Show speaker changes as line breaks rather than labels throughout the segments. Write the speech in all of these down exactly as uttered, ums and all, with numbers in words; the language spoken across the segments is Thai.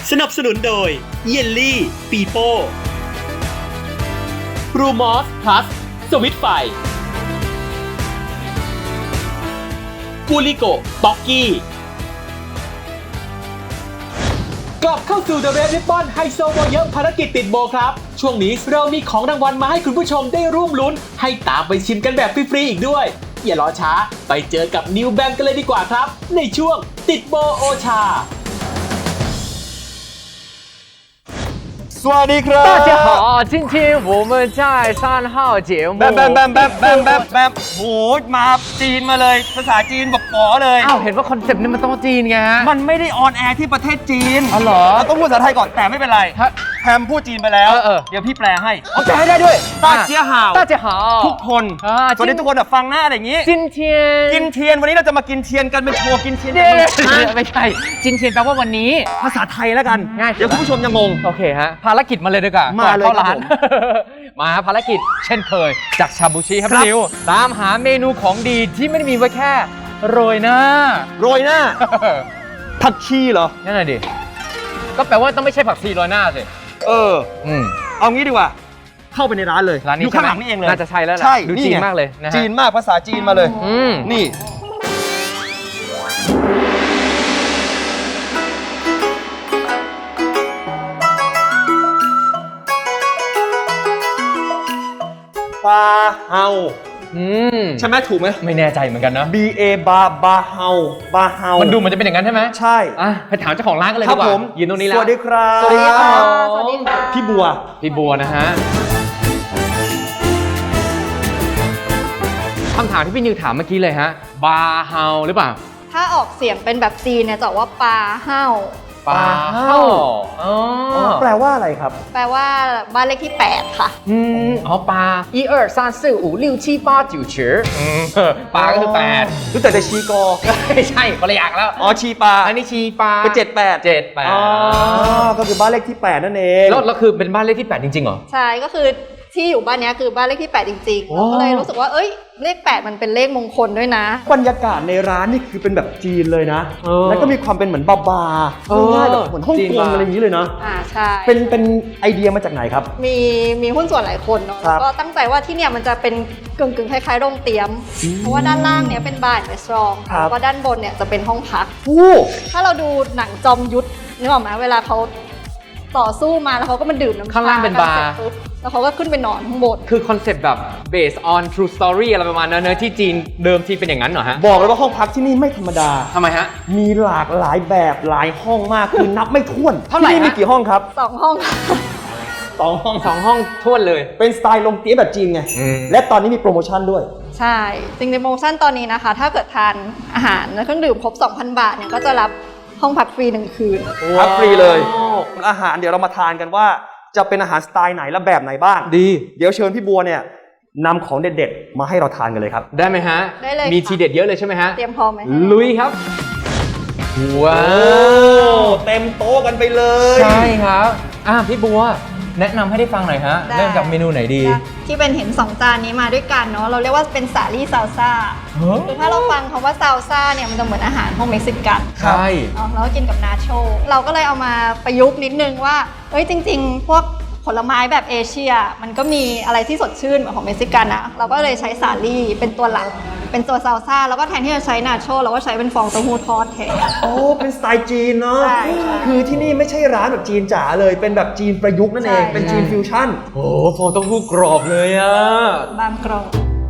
สนับสนุนโดยเยลลี่ปีโป้บรูมอสพลัสสวิตไฟกูลิโกบ็อกกี้กลับเข้าสู่ The Red Ribbon ไฮโซโบเยอะภารกิจติดโบครับช่วงนี้เรามีของรางวัลมาให้คุณผู้ชมได้ร่วมลุ้นให้ตามไปชิมกันแบบฟรีๆอีกด้วยอย่ารอช้าไปเจอกับนิวแบงกันเลยดีกว่าครับในช่วงติดโบโอชา
สวัสดีครับ
大家好今天我们在三号节目
แบมแบมแบมแบมแบมแบมแบมโหมาจีนมาเลยภาษาจีนบอกป๋อเลย
อ้าวเห็นว่าคอนเซ็ปต์นี้มันต้องจีนไงฮะ
มันไม่ได้ออนแอร์ที่ประเทศจีน
อ๋อเหรอ
เราต้องพูดภาษาไทยก่อนแต่ไม่เป็นไร
ฮะ
แพมพูดจีนไปแล้ว
เออเออ
เดี๋ยวพี่แปลให้
เอาแปลให้ได้ด้วย
ต้าเจี้ยห่าว
大家好
ทุกคน
อ่า
สวัสดีทุกคนแบบฟังหน้าอะไรอย่างนี้
今天
กินเทียนวันนี้เราจะมากินเทียนกันเป็นโชว์กินเทียน
เดี๋ยว
ฮะ
ไม่ใช่จินเทียนแปลว่าวันนี้
ภาษาไทยแล้วกัน
ง่ายสุด
เดี๋ยวคุณผู้ชมจะงง
โอเคฮะภารกิจมาเลยดีกว่า
มาเลย
ก่อนเข้าร้าน
ครับผม
มาภารกิจเช่นเคย จากชาบูชิครับ
ครับ
นิวตามหาเมนูของดีที่ไม่ได้มีไว้แค่โรยหน้า
โรยหน้าผักชีเหรอ
นั่นแหละดิก็แปลว่าต้องไม่ใช่ผักชีโรยหน้าสิ
เออ
อืม
เอางี้ดีกว่า เข้าไปในร้านเลย
ร้านนี้
อยู่ข้างหลังนี่เองเลย
น่าจะใช่แล้วแหละ
ใช่
ดูจีนมากเลยนะฮะ
จีนมากภาษาจีนมาเลย
อืม
นี่บาเฮา
อืม
ใช่ไหมถูกไหม
ไม่แน่ใจเหมือนกันนะ
B A บาบาเฮาบาเฮา
มันดูเหมันจะเป็นอย่างนั้นใช่ไหม
ใช่
อ่ะไปถามเจ้าของร้านกันเลย
ครั
ดีกว่า
ผม
ยืนตรงนี้แล้ว
สวัสดีครับ
สวัสดีครับ
สวัสดีค่ะ
พี่บัว
พี่บัวนะฮะคำถามที่พี่นิวถามเมื่อกี้เลยฮะ บาเฮาหรือเปล่า
ถ้าออกเสียงเป็นแบบจีนเนี่ยจะบอกว่าปลาเห่า
ปลาเฮาอ๋อ
แปลว่าอะไรครับ
แปลว่าบ้านเลขที่แปดค่ะ
อืมอ๋อปลา一二三四五六七八九十อืมปลาก็คือแปด
รู้จักแต่ชีกอ
ไม่ใช่คนละอย่างแล้ว
อ๋อชีปลา
อันนี้ชีปลา
ก็เจ็ดแปด
เจ็ดแปด
อ๋อ ก็คือบ้านเลขที่แปดนั่นเอง
แล้วแล้วคือเป็นบ้านเลขที่แปดจริงๆเหรอ
ใช่ก็คือที่อยู่บ้านเนี้ยคือบ้านเลขที่แปดจริงๆ
โอ้
เราก็เลยรู้สึกว่าเอ้ยเลขแปดมันเป็นเลขมงคลด้วยนะ
บรรยากาศในร้านนี่คือเป็นแบบจีนเลยนะ
เออ
แล้วก็มีความเป็นเหมือนบาบา
เออ
ง่ายๆแบบเหมือนฮ่อง
จีน
กง
บาร์
อะไรอย่างนี้เลยนะ
อ่าใช่
เป็นเป็นไอเดียมาจากไหนครับ
มีมีหุ้นส่วนหลายคนเนาะ
ครับ
แล้วก็ตั้งใจว่าที่เนี่ยมันจะเป็นกึ่งกึ่งๆคล้ายๆโรงเตรียม เพราะว่าด้านล่างเนี่ยเป็นบาร์และสตรอง
ครับ
แล้วก็ด้านบนเนี่ยจะเป็นห้องพัก
โอ้
ถ้าเราดูหนังจอมยุทธนึกออกไหมเวลาเขาต่อสู้มาแล้วเขาก็มาดื่มน้ำช
ข้างล่างเป็นบาร์
กัสจปุ๊แล้วเขาก็ขึ้นไปนอนข้างบน
คือคอนเซปต์แบบ based on true story อะไรประมาณนั้นเนอะที่จีนเดิมทีเป็นอย่างนั้นเหรอฮะ
บอกเลยว่าห้องพักที่นี่ไม่ธรรมดา
ทำไมฮะ
มีหลากหลายแบบหลายห้องมาก คือนับไม่ถ้วน
เท่าไหร่
ที่นี่
ฮะ
มีกี่ห้องครับ
สองห้อง
สองห้อง
สองห้องท้วนเลย
เป็นสไตล์ลงเตี้ยแบบจีนไง
อืม
และตอนนี้มีโปรโมชั่นด้วย
ใช่จริงในโปรโมชั่นตอนนี้นะคะ ถ้าเกิดทานอาหารและเครื่องดื่มครบ สองพัน บาทเนี่ยก็จะรับห้องพักฟรีหนึ่งคืน
พักฟรีเลย อาหารเดี๋ยวเรามาทานกันว่าจะเป็นอาหารสไตล์ไหนและแบบไหนบ้าง
ดี
เดี๋ยวเชิญพี่บัวเนี่ยนำของเด็ดๆ มาให้เราทานกันเลยครับ
ได้ไหมฮะ
ได้เลย
มี
ค่ะ
ทีเด็ดเยอะเลยใช่ไหมฮะ
เตรียมพร้อมไหม
ลุยครับ ว้า
โอ้
ว
เต็มโต๊ะกันไปเลย
ใช่ครับอ่ะพี่บัว แนะนำให้ได้ฟังหน่อยฮะ
ได้
เริ่มจากเมนูไหนดี
ที่เป็นเห็นสองจานนี้มาด้วยกันเนาะเราเรียกว่าเป็นสาลี่ซาลซ่า
เฮ้ย
คือถ้าเราฟังคำว่าซาลซ่าเนี่ยมันจะเหมือนอาหารของเม็กซิกัน
ใช่
เนาะแล้วก็กินกับนาโชเราก็เลยเอามาประยุกต์นิดนึงว่าเอ้ยจริง ๆ พวกผลไม้แบบเอเชีย มันก็มีอะไรที่สดชื่นเหมือนของเม็กซิกันนะเราก็เลยใช้สาลี่เป็นตัวหลักเป็นตัวซาลซ่าแล้วก็แทนที่จะใช้นาโชเราก็ใช้เป็นฟองเต้าหู้ทอดแทน
โอ้เป็นสไตล์จีนเนาะ
ใช่ใช่
คือที่นี่ไม่ใช่ร้านแบบจีนจ๋าเลย เป็นแบบจีนประยุกต์นั่นเอง
ใช่
เป็นจีนฟิวชั่น
โอ้โหฟองเต้าหู้กรอบเลยอ่ะ
บางกรอบ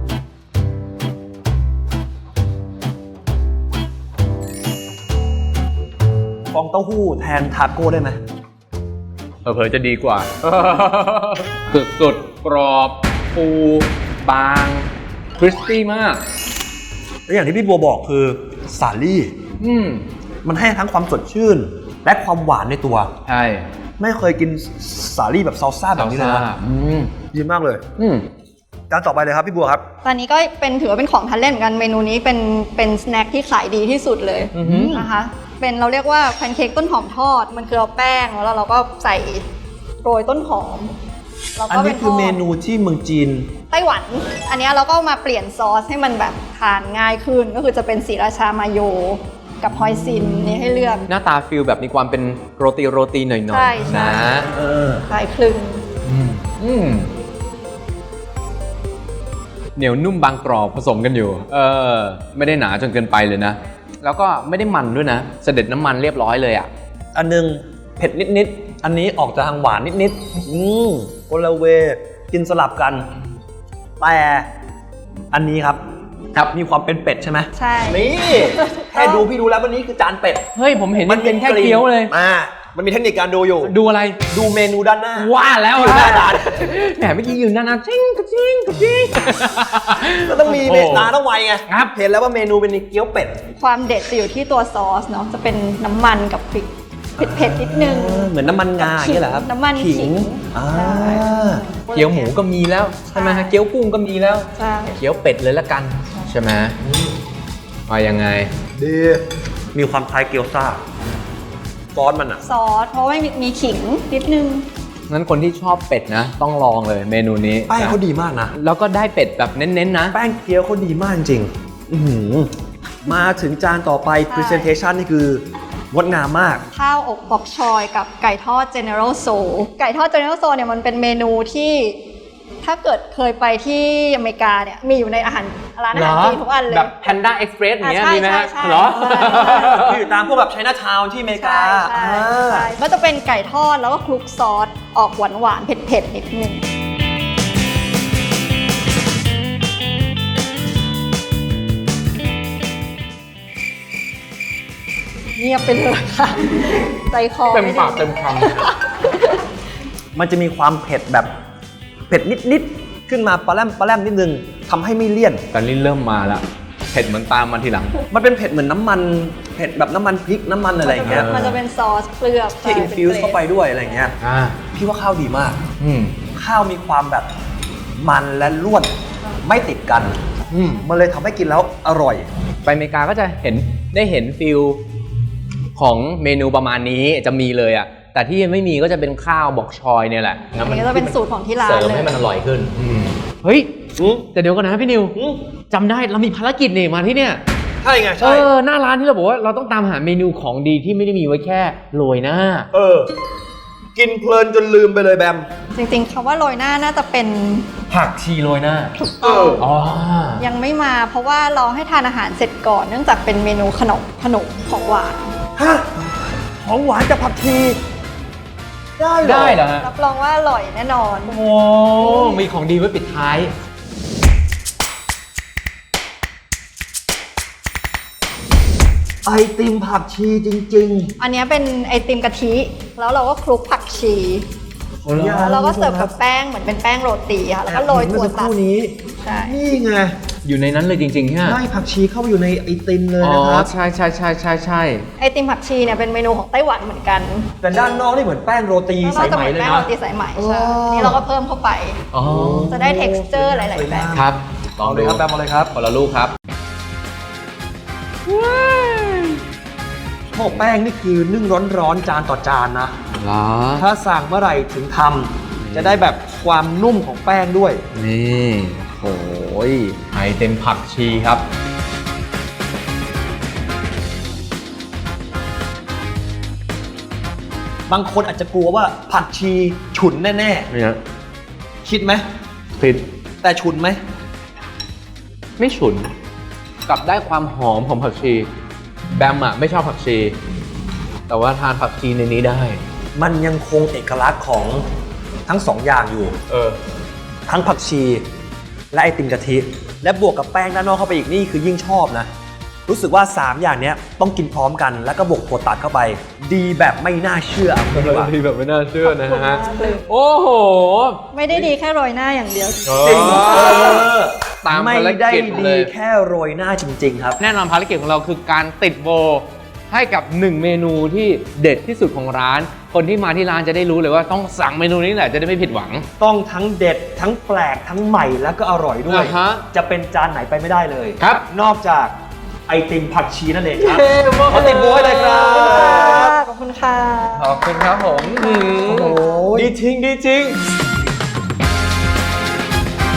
ฟองเต้าหู้แทนทาโก้ได้ไหม
เผลอๆจะดีกว่า สุดสุดๆกรอบฟูบางคริสปี้มาก
และอย่างที่พี่บัวบอกคือสาลี่
อืม
มันให้ทั้งความสดชื่น และความหวานในตัว
ใช่
ไม่เคยกินสาลี่แบบซอลซ่าแบบนี้เลยนะ
อืม
ดีมากเลย
อืม
จานต่อไปเลยครับพี่บัวครับ
ตอนนี้ก็เป็นถือว่าเป็นของทานเล่นเหมือนกันเมนูนี้เป็นเป็นสแน็คที่ขายดีที่สุดเลย
อือหือ
นะคะเป็นเราเรียกว่าแพนเค้กต้นหอมทอด มันคือเอาแป้งแล้วเราก็ใส่โรยต้นหอมแล้ว
อัน
ก็
นี้
เป็น
คือ
ทด
เมนูที่เมืองจีน
ไต้หวัน อันเนี้ยเราก็มาเปลี่ยนซอสให้มันแบบทานง่ายขึ้น ก็คือจะเป็นศรีราชามาโยกับฮอยซินนี่ให้เลือก
หน้าตาฟิลแบบมีความเป็นโรตีโรตีหน่อย
ใช่ใช่
ๆนะ
เออ
คล้ายคลึง
อืมเหนียวนุ่มบางกรอบผสมกันอยู่ เออ ไม่ได้หนาจนเกินไปเลยนะ แล้วก็ไม่ได้มันด้วยนะ เสด็จน้ำมันเรียบร้อยเลยอ่ะ
อันนึงเผ็ดนิดๆ อันนี้ออกจะทางหวานนิดๆ อืมโอลาเวกินสลับกัน แต่อันนี้ครับ ครับมีความเป็นเป็ดใช่ไหม
ใช่
นี่แค่ดูพี่ดูแล้ววันนี้คือจานเป็ด
เฮ้ย ผมเห็นมันเป็นแค่เกี๊ยวเลย
อ่ามันมีเทคนิคการดูอยู่
ดูอะไร
ดูเมนูด้านหน้า
ว่าแล้ว
อยู่หน้าร้าน
แหมเมื่อกี้ยืนหน้าหน้าจิ้งกระจิ้งกระจิ้ง
ก็ต้องมี
โอ้
เมตาต้องไวไง
ครับ
เห็นแล้วว่าเมนูเป็นเกี๊ยวเป็ด
ความเด็ดจะอยู่ที่ตัวซอสเนาะจะเป็นน้ำมันกับพริกเผ็ดๆนิดนึง
เหมือนน้ำมันงาอย่างนี้เหรอครับ
น้ำมันขิง
อ่า
ใช่
เกี๊ยวหมูก็มีแล้วใช่ไหมฮะ เกี๊ยวกุ้งก็มีแล้ว
ใช่
เกี๊ยวเป็ดเลยละกัน ใช่ไหมว่ายังไง
ดีมีความคล้ายเกี๊ยวซ่าซอสมันอ่ะ
ซอสเพราะว่ามีมีขิงนิดนึง
งั้นคนที่ชอบเป็ดนะ ต้องลองเลยเมนูนี้
แป้งเขาดีมากนะ
แล้วก็ได้เป็ดแบบเน้นๆนะ
แป้งเกี๊ยวเขาดีมากจริงอื้อหือมาถึงจานต่อไป
ใช่
Presentation นี่คืองดงามมาก
ข้าวอกบอกชอยกับไก่ทอด General Tso ไก่ทอด General Tso เนี่ยมันเป็นเมนูที่ถ้าเกิดเคยไปที่อเมริกาเนี่ยมีอยู่ในอาหารร้านอาหารจีนทุกอันเลย
แบบ Panda Express อย่างเงี้ย
อ่ะใช่
มีไหมฮะ
ใช่ใช่
เหรอ
ใช่ใช่
ที่อยู่ตามพวกแบบไชน่าทาวน์ที่อเมริกา
ใช่ใช่
อ่า
ใช่ก็จะเป็นไก่ทอดแล้วก็คลุกซอสออกหวานหวานๆเผ็ดๆนิดนึงเงียบไปเลยค่ะใจคอ
เต็ม
ไดี
ปากเต็มค
มันจะมีความเผ็ดแบบเผ็ดนิดๆขึ้นมาปลาแรมปลาแรมนิดนึงทำให้ไม่เลี่ยน
ำตอนนี้เริ่มมาแล้ว เผ็ดเหมือนตามมาทีหลัง
มันเป็นเผ็ดเหมือนน้ำมันเผ็ดแบบน้ำมันพริกน้ำมันอะไรอย่างเงี้ย
มันจะเป็นซอสเคลือบ
ที่อินฟิวส์เข้าไปด้วยอะไรอย่างเงี้ย
อ่า
พี่ว่าข้าวดีมาก
อืม
ข้าวมีความแบบมันและร่วนไม่ติดกัน
อืม
มันเลยทำให้กินแล้วอร่อย
ไปอเมริกาก็จะเห็นได้เห็นฟิลของเมนูประมาณนี้จะมีเลยอ่ะ แต่ที่ยังไม่มีก็จะเป็นข้าวบอกชอยเนี่ยแหละ
อันนี้ก็จะเป็นสูตรของที่ร้าน
เสริม
เลย
ให้มันอร่อยขึ้น เฮ้ย
อืม
แต่เดี๋ยวก่อนนะพี่นิว
อืม
จำได้เรามีภารกิจนี่มาที่เนี่ย
ใช่ไง
เอ
ใช่
อ หน้าร้านที่เราบอกว่าเราต้องตามหาเมนูของดีที่ไม่ได้มีไว้แค่โรยหน้า
เออ กินเพลินจนลืมไปเลยแบม
จริงๆคำว่าโรยหน้าน่าจะเป็น
ผักชีโรยหน้า
เออ
อ๋อ
ยังไม่มาเพราะว่าเราให้ทานอาหารเสร็จก่อน เนื่องจากเป็นเมนูขนมขนมของหวาน
ฮะ ของหวานกับผักชีได้เหรอ
ได้เหรอฮะ
รับรองว่าอร่อยแน่นอน
โอ้ มีของดีไว้ปิดท้าย
ไอติมผักชีจริง
อันนี้เป็นไอติมกะทิ แล้วเราก็คลุกผักชี
ๆ
แล้วเราก็เสิร์ฟกับแป้งเหมือนเป็นแป้งโรตีค่ะ แล้วก็โรยถั่ว
เมื่อสักค
ตัด
รู่นี้
ใช่
นี่ไง
อยู่ในนั้นเลยจริงๆใช่ไหม
ได้ผักชีเข้าไปอยู่ในไอติมเลย
อ๋อ
นะครับ
ใช่ใช่ใช่ใช่ใช่
ไอติมผักชีเนี่ยเป็นเมนูของไต้หวันเหมือนกัน
แต่ด้านนอกนี่เหมือนแป้งโรตี
แล้ว
สา
เรา
ย
จะ
ไห
เห
ม
มือน
เลย
แป้ง
นะ
โรตีสายไหม
อ๋อ
ใช่อันนี่เราก็เพิ่มเข้าไป
อ๋อ
จะได้ texture หลายๆแบบ
ครับ ลอง
เอาเล
ดู
ยครับแบมเอาเลยครับ
คนละลูกครับ
โอ้แป้งนี่คือนึ่งร้อนๆจานต่อจานนะ
เหรอ
ถ้าสั่งเมื่อไหร่ถึงทำจะได้แบบความนุ่มของแป้งด้วย
นี่โอ้ยไอเต็มผักชีครับ
บางคนอาจจะกลัวว่าผักชีฉุนแน่
เนี่ย
ๆ คิดไหม
ผิด
แต่ฉุนไหม
ไม่ฉุน กลับได้ความหอมของผักชี แบมอะไม่ชอบผักชี แต่ว่าทานผักชีในนี้ได้
มันยังคงเอกลักษณ์ของทั้งสองอย่างอยู่
เออ
ทั้งผักชี และไอติมกะทิ และบวกกับแป้งด้านนอกเข้าไปอีกนี่คือยิ่งชอบนะ รู้สึกว่า สาม อย่างเนี้ยต้องกินพร้อมกัน แล้วก็บวกถั่วตัดเข้าไป ดีแบบไม่น่าเชื่อเอางี้ดีกว่า
ดีแบบไม่น่าเชื่อนะ
ขอบคุณ
ฮะ
มากเลย
โอ้โห
ไม่ได้ดีแค่โรยหน้าอย่างเดียว
จริง
เออตาม
ไม่
ภาร
ได้
กิจ
ดี
เลย
แค่โรยหน้าจริง ๆ ครับ
แน่นอนภารกิจของเราคือการติดโบให้กับหนึ่งเมนูที่เด็ดที่สุดของร้าน คนที่มาที่ร้านจะได้รู้เลยว่าต้องสั่งเมนูนี้แหละจะได้ไม่ผิดหวัง
ต้องทั้งเด็ดทั้งแปลกทั้งใหม่แล้วก็อร่อยด้วย
อ่าฮะ
จะเป็นจานไหนไปไม่ได้เลย
ครับ
นอกจากไอติมผักชีนั่นเองครับ
เย้มาก
ขอติดโบยเลยครับ
ขอบคุณค่ะ
ขอบคุณครับผม
โอ้โห
ดีจริงดีจริง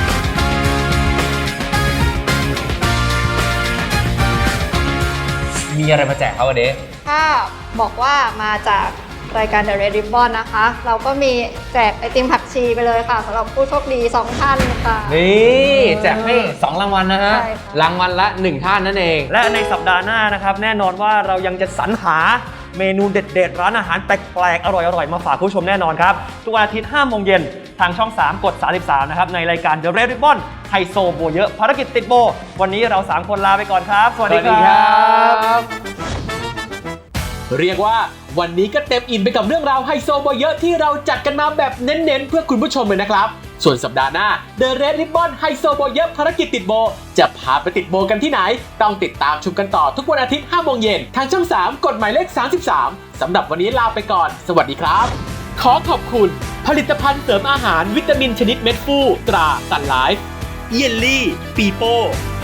ม
มีอะไรมาแจกเขาวันนี้
ถ้าบอกว่ามาจากรายการ The Red Ribbon นะคะ เราก็มีแจกไอติมผักชีไปเลยค่ะสำหรับผู้โชคดีสองท่านค่ะ
นี่แจกให้สองรางวัลนะฮะ
ใช่ค่ะ
รางวัลละหนึ่งท่านนั่นเอง
และในสัปดาห์หน้านะครับแน่นอนว่าเรายังจะสรรหาเมนูเด็ดๆ ร้านอาหารแปลกๆ อร่อยๆ มาฝากผู้ชมแน่นอนครับ ทุกวันอาทิตย์ห้าโมงเย็นทางช่อง สาม กด สามสิบสาม นะครับ ในรายการ The Red Ribbon ไฮโซโบเยอะภารกิจติดโบ วันนี้เรา สาม คนลาไปก่อนครับ สวัสดีครับ
เรียกว่าวันนี้ก็เต็มอิ่มไปกับเรื่องราวไฮโซโบเยอะที่เราจัดกันมาแบบเน้นๆเพื่อคุณผู้ชมเลยนะครับ ส่วนสัปดาห์หน้า The Red Ribbon ไฮโซโบเยอะภารกิจติดโบจะพาไปติดโบกันที่ไหน ต้องติดตามชมกันต่อทุกวันอาทิตย์ห้าโมงเย็นทางช่อง สาม กดหมายเลข สามสิบสาม สำหรับวันนี้ลาไปก่อน สวัสดีครับ ขอขอบคุณ ผลิตภัณฑ์เสริมอาหารวิตามินชนิดเม็ดฟูตราซันไลฟ์เยลลี่ปีโป้